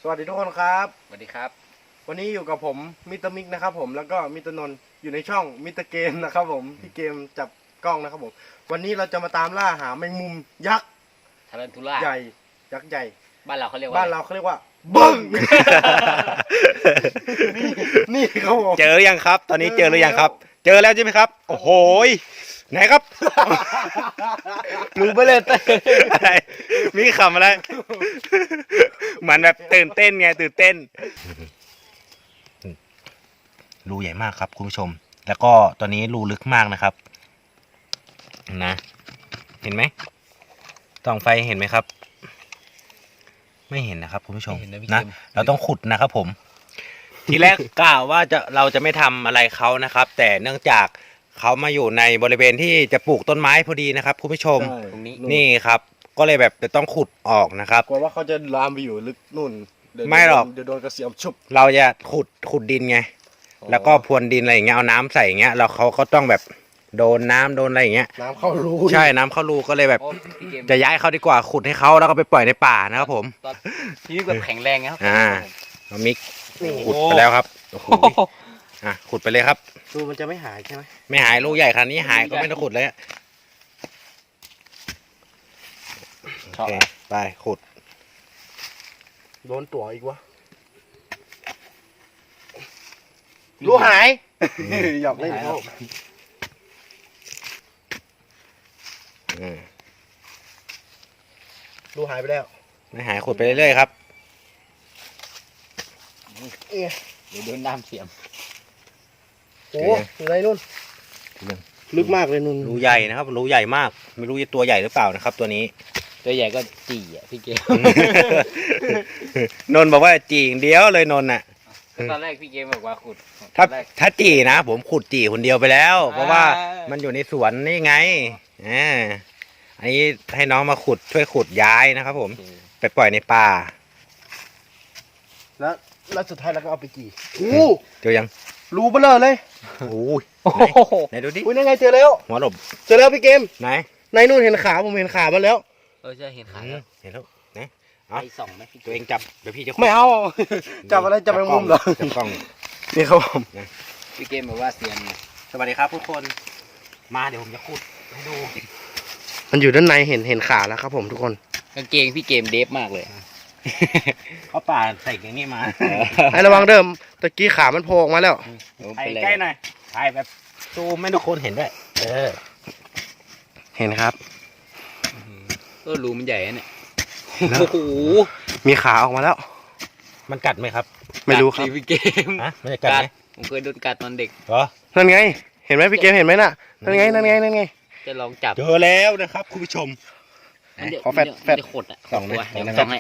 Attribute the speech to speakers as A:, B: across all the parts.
A: สวัสดีทุกคนครับ
B: สวัสดีครับ
A: วันนี้อยู่กับผมมิสเตอร์มิกนะครับผมแล้วก็มิสเตอร์นนท์อยู่ในช่องมิสเตอร์เกมนะครับผมพี่เกมจับกล้องนะครับผมวันนี้เราจะมาตามล่าหาแมงมุมยักษ์
B: ทารันทูล่า
A: ใหญ่ยักษ์ใหญ่
B: บ้านเราเขาเรียกว่า
A: บึ้ง นี่ครับผม
C: เจอหรือยังครับ ตอนนี้เจอหรือยังครับ เจอแล้วใช่ไหมครับ โอ้โหไหนครับ
A: รู้ไปเลยเต้
C: มีคำอะไรเหมือนแบบตื่นเต้นไงตื่นเต้นรูใหญ่มากครับคุณผู้ชม แล้วก็ตอนนี้รูลึกมากนะครับนะเห็นไหมส่องไฟเห็นไหมครับ ไม่เห็นนะครับคุณผู้ชมนะเราต้องขุดนะครับผม ทีแรกกล่าวว่าเราจะไม่ทำอะไรเขานะครับ แต่เนื่องจากเขามาอยู่ในบริเวณที่จะปลูกต้นไม้พอดีนะครับคุณผู้ชม
B: ตรงนี้
C: นี่ครับ ก็เลยแบบจะต้องขุดออกนะครับ
A: กลัวว่าเขาจะลามไปอยู่ลึกนู่น
C: ไม่หรอก
A: เดี๋ยวโดนกระเสียมชุบ
C: เราจะขุดดินไง แล้วก็พรวนดินอะไรอย่างเงี้ยเอาน้ำใส่อย่างเงี้ยแล้วเขาก็ต้องแบบโดนน้ำโดนอะไรอย่างเงี้ย
A: น้ำเข้ารู
C: ใช่น้ำเข้ารูก็เลยแบบ
B: โอ้พี่เกม
C: จะย้ายเขาดีกว่าขุดให้เขาแล้วก็ไปปล่อยในป่านะครับผม
B: ตอนพี่แบบแข็งแรงนะครับ
C: น้องมิกขุดไปแล้วครับโอ้โหขุดไปเลยครับ
A: รูมันจะไม่หายใช่ไหม
C: ไม่หายลูกใหญ่ขนาดนี้หายก็ไม่ต้องขุดเลยโอเคไปขุด
A: โดนตัวอีกวะรูหายหยอกเล่นเขา รูหายไปแล้ว
C: ไม่หายขุดไปเรื่อยๆครับ
B: เดี๋ยวโดนน้ำเสียม
A: โอ้อยู่ไหนนู่นลึกมากเลยนู่น
C: รูใหญ่นะครับรูใหญ่มากไม่รู้จะตัวใหญ่หรือเปล่านะครับ ตัวนี้
B: ตัวใหญ่ก็จี่อ่ะพี่เกม
C: นนท์บอกว่าจีอย่างเดียวเลยนนท์น่ะ
B: ตอนแรกพี่เกมบอกว่าขุด
C: ถ้าจีนะผมขุดจีคนเดียวไปแล้ว เพราะว่ามันอยู่ในสวนนี่ไงอันนี้ให้น้องมาขุดช่วยขุดย้ายนะครับผมไปปล่อยในป่า
A: แล้วสุดท้ายเราก็เอาไปกี่
C: เจอยัง
A: รูเบลอเลย
C: โอ้ยไหนดูดิ
A: อุ้ยนั่นไงเจอแล้ว
C: หัวหลบ
A: เจอแล้วพี่เกม
C: ไหน
A: ในนู่นเห็นขาผมเห็นขามันแล้ว
B: จะเห็นขาแล้ว
C: เห็นแล้วไหน
B: ไปส่องไหมพี่
C: ตัวเองจับเดี๋ยวพี่จะขุด
A: ไม่เอา จับอะไรจับแมงมุมเหรอ
C: จับกล้อง
A: นี่ครับผม
B: พี่เกมบอกว่าเสียนไง
C: สวัสดีครับทุกคนมาเดี๋ยวผมจะขุดให้ดู
A: มันอยู่ด้านในเห็นขาแล้วครับผมทุกคน
B: กางเกงพี่เกมเดฟมากเลย
C: เขาป่าใส่อย่างนี้มา
A: ให้ระวังเดิมตะกี้ขามันโผล่ออกมาแล้ว
C: ถ่ายใกล้หน่อยถ่ายแบบซูมให้ทุกคนเห็นด้วย
A: เห็นครับ
B: รูมันใหญ่เนี่ย
A: แล้ว
B: โอ้โห
A: มีขาออกมาแล้ว
C: มันกัดไหมครับ
A: ไม่รู้ครับ
B: กัดสิพี่เกม
C: ฮะไม่ได้กัดไหม
B: ผมเคยโดนกัดตอนเด็ก
C: เหรอ
A: นั่นไง เห็นไหมพี่เกมเห็นไหมน่ะ นั่นไง นั่นไง นั่นไง
B: จะลองจับ
C: เจอแล้วนะครับคุณผู้ชม
A: ขอแฟด
B: มันจะขดอ่ะ
C: ส่องไหม
B: ตัวเดี๋ยว
C: ส่องไหม
B: ส่องให้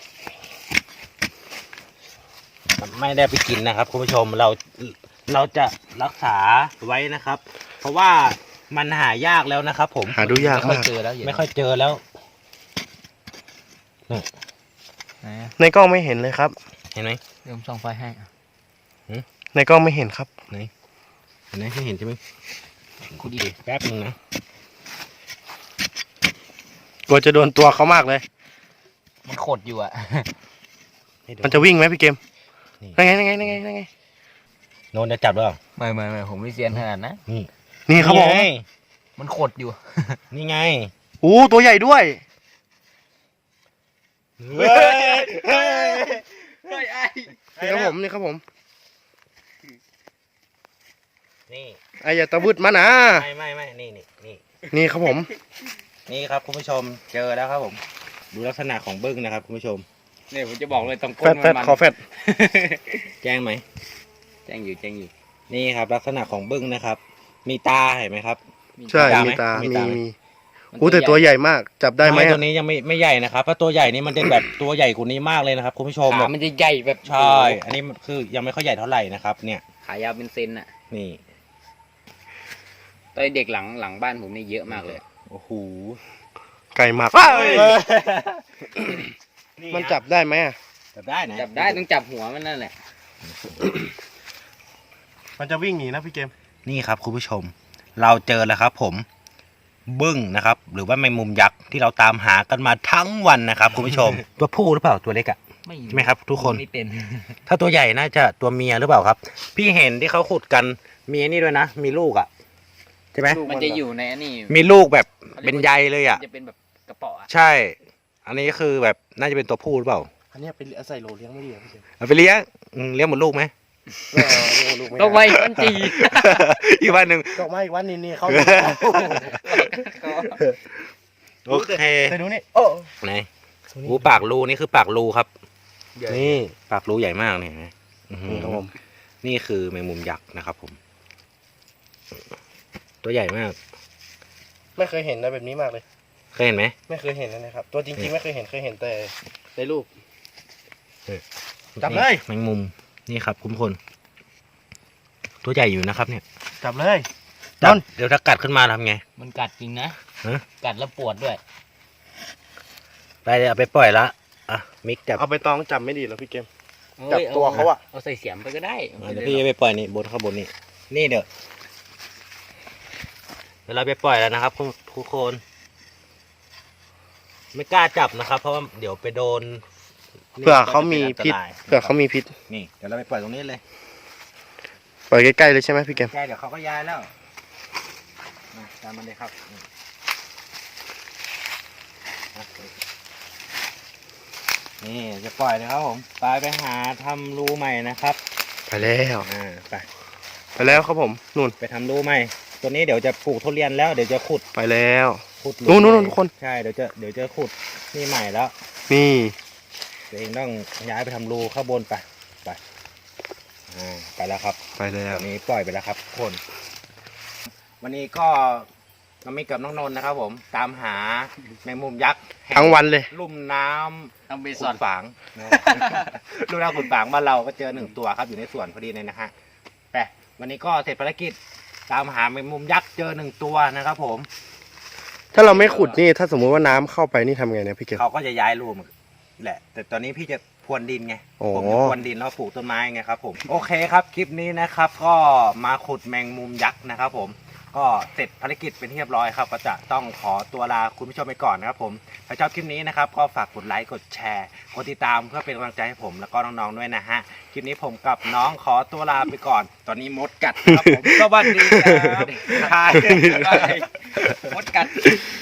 C: ไม่ได้ไปกินนะครับคุณผู้ชมเราจะรักษาไว้นะครับ เพราะว่ามันหายากแล้วนะครับ ผม
A: หาดูยาก
B: ไม่ค่อย
A: มาก
B: เจอแล้ว
C: ไม่ค่อยเจอแล้ว
A: ในกล้องไม่เห็นเลยครับ
C: เห็นไหม
B: เดี๋ยวผมส่องไฟให้
A: ในกล้องไม่เห็นครับ
C: เห็นไหมไม่เห็นใช่ไหมขุดดิแป๊บนึงนะ
A: กลัวจะโดนตัวเขามากเลย
B: มันขดอยู่อ่ะ
C: ให้ดู
A: มันจะวิ่งไหมพี่เกม
C: นี่
A: นั่นไง นั่นไง นั่นไง นั่นไง
C: โนนจะจับหรือเปล่า
B: ไม่ผมไม่เซียนขนาดนะ
C: นี่
A: นี่ครับผม
C: ไง
B: มันขดอยู่
C: นี่ไง
A: อู้ตัวใหญ่ด้วย
C: เฮ้ย
A: นี่ครับผม นี่ครับผม
C: นี่
A: ไอ้อย่าตะวึดมานะ
C: ไม่นี่
A: นี่ครับผม
C: นี่ครับคุณผู้ชมเจอแล้วครับผม ดูลักษณะของบึ้งนะครับคุณผู้ชม
B: เนี่ยผมจะบอกเลยตรงก้
A: แฟ
B: น
A: ดแฟด
B: มัน
A: ขอแฟด
C: แจ้งไหม
B: แจ้งอยู่
C: นี่ครับ ลักษณะของบึ้งนะครับ มีตาเห็นไหมครับ
A: ใช่
C: มี
A: มีตา
C: ตาไหม
A: มี
C: มีตาไหม
A: มีอู้แต่ตัวใหญ่มาก จับได้ไหม
C: ตัวนี้ยังไม่ใหญ่นะครับเพราะตัวใหญ่นี่มันเป็นแบบ ตัวใหญ่กว่านี้มากเลยนะครับคุณผู้ชม
B: ขามันจะใหญ่แบบ
C: ใช่ อันนี้มันคือยังไม่ค่อยใหญ่เท่าไหร่นะครับ เนี่ย
B: ขายาวเป็นเซนอ่ะ
C: นี่
B: ตอนเด็กหลังบ้านผมนี่เยอะมากเลย
C: โอ้โห
A: ไก่หมัก มันจับได้ไหมอะ
C: จับได้นะ
B: จับได้ต้องจับหัวมันนั่นแหละ
A: มันจะวิ่งหนีนะพี่เกม
C: นี่ครับคุณผู้ชม เราเจอแล้วครับผมบึ้งนะครับ หรือว่าแมงมุมยักษ์ที่เราตามหากันมาทั้งวันนะครับคุณผู้ชม ตัวผู้หรือเปล่าตัวเล็กอะใช่ไหมครับ ทุกคน
B: ไม่เป็น
C: ถ้าตัวใหญ่น่าจะตัวเมียหรือเปล่าครับ พี่เห็นที่เขาขุดกันมีนี่ด้วยนะมีลูกอ่ะใช่ไหม
B: มันจะอยู่ในอันนี้
C: มีลูกแบบเป็นใยเลยอ่ะ
B: จะเป็นแบบกระเป๋ออะ
C: ใช่ อันนี้คือแบบน่าจะเป็นตัวผู้หรือเปล่า
A: อันเนี้ยเป็นใส่โหลเลี้ยงไม่ดีเหรอพี่เกม
C: เอาไปเลี้ยงเลี้ยงหมดลูกไหม
A: เลี้ยงลูกไม่
B: ก็
A: ได้
B: ไว้มันจี
C: อีกวันหนึ่ง
A: ดอกไม้อีกวันนี่เขา
C: โอเค
A: ไปดูนี่โอ้
C: ไหนหูปากรูนี่คือปากรูครับ
A: นี่
C: ปากรูใหญ่มากเนี่ยเห็นไหมอื้อหือ
A: นี่ครับผม
C: นี่คือแมงมุมยักษ์นะครับผม ตัวใหญ่มาก
A: ไม่เคยเห็นนะแบบนี้มากเลย
C: เคยเห็นไหม
A: ไม่เคยเห็นนะครับ ตัวจริงๆไม่เคยเห็นเคยเห็นแต่ในรูป จับเลย
C: แมงมุมนี่ครับคุณผู้ชมตัวใหญ่อยู่นะครับ เนี่ย
A: จับเลย
C: จับ
A: นอน
C: เดี๋ยวถ้ากัดขึ้นมาทำไง
B: มันกัดจริงนะ
C: ฮะ
B: กัดแล้วปวดด้วย
C: ไปเดี๋ยวเอาไปปล่อยละอ่ะมิกจับ
A: เอาไปตองจับไม่ดีเหรอพี่เกม
B: เอ้ย
A: จับตัวเขาอะ
B: เอาใส่เสียมไปก็ได้
C: เดี๋ยวพี่จะไปปล่อยนี่บนข้างบนนี่นี่เดี๋ยวเราไปปล่อยแล้วนะครับทุกคน ไม่กล้าจับนะครับ เพราะว่าเดี๋ยวไปโดน
A: เผื่อเขามีพิษ
C: นี่
A: เผื่อเขามีพิษ
C: นี่เดี๋ยวเราไปปล่อยตรงนี้เลย
A: ปล่อยใกล้ๆเลยใช่ไหมพี่เกม
C: ใช่เดี๋ยวเขาก็ย้ายแล้วมาตามมันเลยครับนี่จะปล่อยเลยครับผมไปหาทำรูใหม่นะครับ
A: ไปแล้ว
C: ไป
A: ไปแล้วครับผมนู่น
C: ไปทำรูใหม่ตัวนี้เดี๋ยวจะปลูกทุเรียนแล้วเดี๋ยวจะขุด
A: ไปแล้ว
C: ขุดหลุม
A: นู่น
C: ใหม่
A: ทุกคน
C: ใช่เดี๋ยวจะขุดนี่ใหม่แล้ว
A: นี่
C: ตัวเองต้องย้ายไปทำรูข้างบนไปไปแล้วครับ
A: ไปแล้ว
C: วันนี้ปล่อยไปแล้วครับทุกคน วันนี้ก็น้องมิกกับน้องนนท์นะครับ ผมตามหาแมงมุมยักษ์แห่
A: ทั้งวันเลย
C: ลุ่มน้
B: ต้องไป
C: ำ
B: ส
C: ขุ
B: อน
C: ดฝาง ลุ่มน้ำขุดฝางบ้านเราก็เจอ1 ตัวครับอยู่ในสวนพอดีเลยนะฮะแต่วันนี้ก็เสร็จภารกิจตามหาแมงมุมยักษ์เจอ1 ตัวนะครับ ผม
A: ถ้าเราไม่ขุดนี่ถ้าสมมุติว่าน้ำเข้าไปนี่ทำไงเนี่ยพี่เกม
C: เขาก็จะย้ายรูมันแหละ แต่ตอนนี้พี่จะพรวนดินไง
A: โอ้
C: ผมจะพรวนดินแล้วปลูกต้นไม้ไงครับผมโอเคครับคลิปนี้นะครับ ก็มาขุดแมงมุมยักษ์นะครับ ผมก็เสร็จภารกิจเป็นที่เรียบร้อยครับ ก็จะต้องขอตัวลาคุณผู้ชมไปก่อนนะครับ ผมถ้าชอบคลิปนี้นะครับ ก็ฝากกดไลค์กดแชร์กดติดตามเพื่อเป็นกำลังใจให้ผมแล้วก็น้องๆด้วยนะฮะคลิปนี้ผมกับน้องขอตัวลาไปก่อน ตอนนี้มดกัดครับผมสวัสดีครับ
B: มดกัด